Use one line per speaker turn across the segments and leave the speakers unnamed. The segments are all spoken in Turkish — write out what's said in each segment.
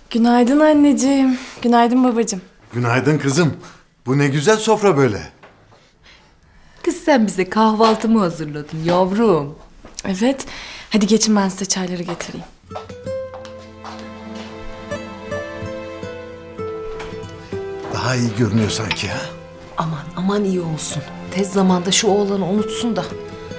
Günaydın anneciğim. Günaydın babacığım.
Günaydın kızım. Bu ne güzel sofra böyle.
Kız sen bize kahvaltı mı hazırladın yavrum?
Evet. Hadi geçin ben size çayları getireyim.
Daha iyi görünüyor sanki ha.
Aman aman iyi olsun. Tez zamanda şu oğlanı unutsun da.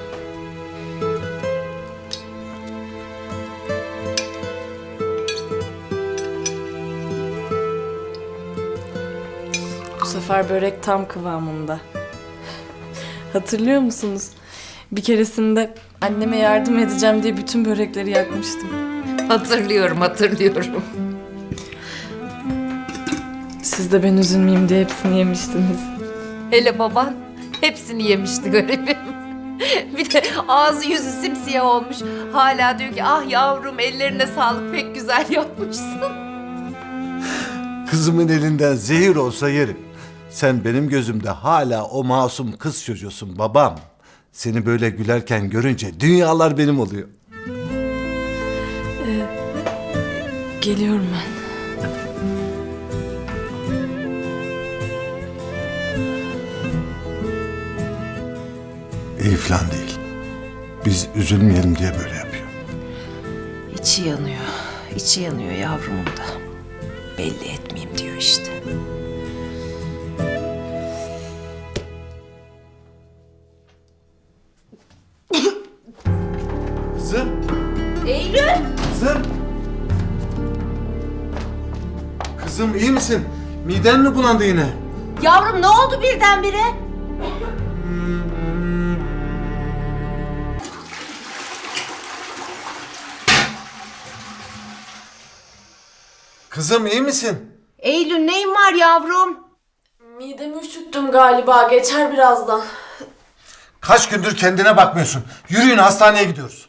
Bu sefer börek tam kıvamında. Hatırlıyor musunuz? Bir keresinde anneme yardım edeceğim diye bütün börekleri yakmıştım.
Hatırlıyorum.
Siz de ben üzülmeyeyim diye hepsini yemiştiniz.
Hele baban hepsini yemişti garibim. Bir de ağzı yüzü simsiyah olmuş. Hala diyor ki ah yavrum ellerine sağlık pek güzel yapmışsın.
Kızımın elinden zehir olsa yerim. Sen benim gözümde hala o masum kız çocuğusun babam. Seni böyle gülerken görünce dünyalar benim oluyor.
Geliyorum ben.
İyi falan değil. Biz üzülmeyelim diye böyle yapıyor.
İçi yanıyor yavrumun da. Belli etmeyeyim diyor işte.
Kızım.
Eylül!
Kızım. Kızım iyi misin? Miden mi bulandı yine?
Yavrum ne oldu birdenbire?
Kızım iyi misin?
Eylül neyin var yavrum?
Midemi üşüttüm galiba. Geçer birazdan.
Kaç gündür kendine bakmıyorsun. Yürüyün hastaneye gidiyoruz.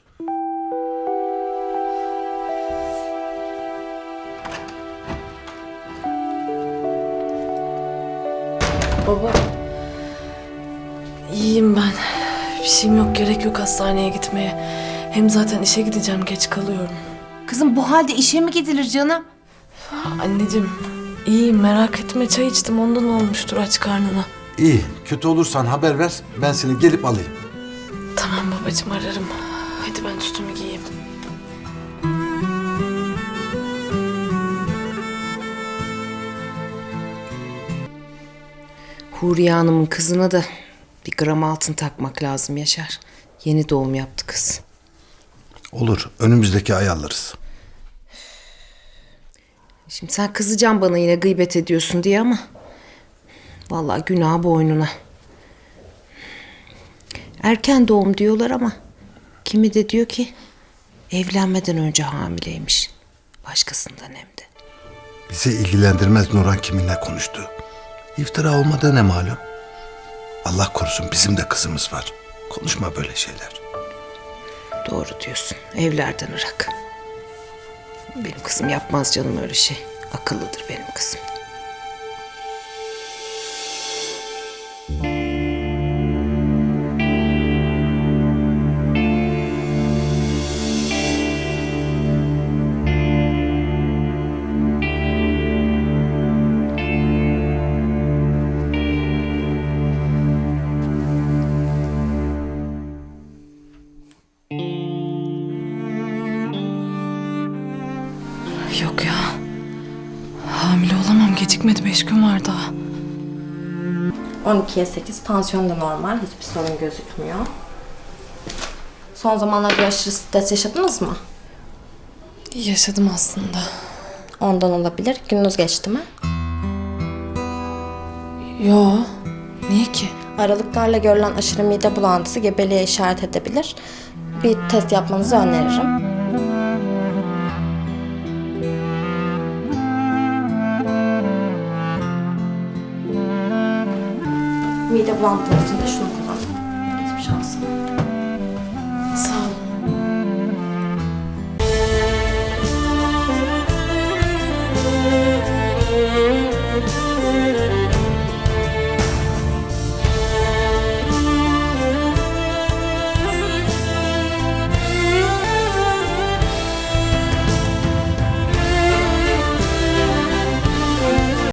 Baba. İyiyim ben. Bir şeyim yok. Gerek yok hastaneye gitmeye. Hem zaten işe gideceğim. Geç kalıyorum.
Kızım bu halde işe mi gidilir canım?
Anneciğim iyiyim merak etme. Çay içtim ondan olmuştur aç karnına.
İyi. Kötü olursan haber ver. Ben seni gelip alayım.
Tamam babacığım ararım. Hadi ben üstümü giyeyim.
Huriye Hanım'ın kızına da bir gram altın takmak lazım Yaşar. Yeni doğum yaptı kız.
Olur. Önümüzdeki ay alırız.
Şimdi sen kızacaksın bana yine gıybet ediyorsun diye ama... Vallahi günah boynuna. Erken doğum diyorlar ama... Kimi de diyor ki... Evlenmeden önce hamileymiş. Başkasından hem de.
Bizi ilgilendirmez Nurhan kiminle konuştu. İftira olmadığı ne malum? Allah korusun bizim de kızımız var. Konuşma böyle şeyler.
Doğru diyorsun. Evlerden ırak. Benim kızım yapmaz canım öyle şey. Akıllıdır benim kızım.
Yok ya. Hamile olamam. Gecikmedi. 5 gün var daha.
12'ye 8, tansiyon da normal, hiçbir sorun gözükmüyor. Son zamanlarda aşırı stres yaşadınız mı?
Yaşadım aslında.
Ondan olabilir. Gününüz geçti mi?
Yo. Niye ki?
Aralıklarla görülen aşırı mide bulantısı gebeliğe işaret edebilir. Bir test yapmanızı öneririm. Mide bulantınız için